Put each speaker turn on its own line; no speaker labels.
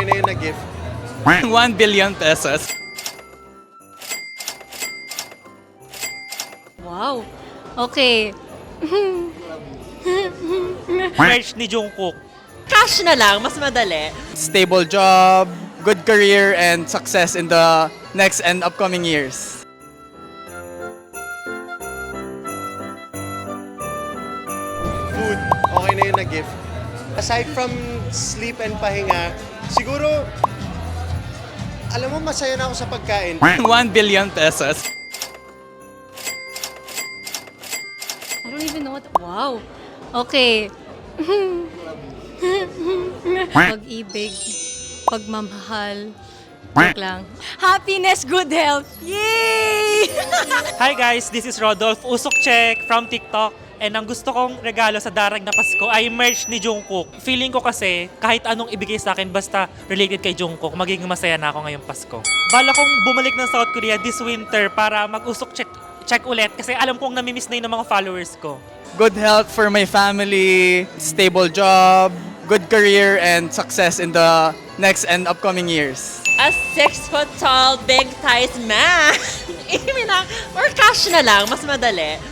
okay na yun na gift.
1 billion pesos.
Wow. Okay.
Merch ni Jungkook.
Cash na lang, mas madali.
Stable job, good career, and success in the next and upcoming years.
Food, okay na yun na gift. Aside from sleep and pahinga, siguro, alam mo, masaya na ako sa pagkain.
1 billion pesos.
I don't even know what... Wow. Okay. Pag-ibig, pagmamahal, joke lang. Happiness, good health. Yay!
Hi guys, this is Rodolph Usok Check from TikTok. And ang gusto kong regalo sa darag na Pasko ay merch ni Jungkook. Feeling ko kasi kahit anong ibigay sa akin basta related kay Jungkook, magiging masaya na ako ngayong Pasko. Bala kong bumalik ng South Korea this winter para mag-usok check ulit kasi alam kong namimiss na yun ng mga followers ko.
Good health for my family, stable job, good career, and success in the next and upcoming years.
A 6 foot tall, big thighs man. Or cash na lang, mas madali.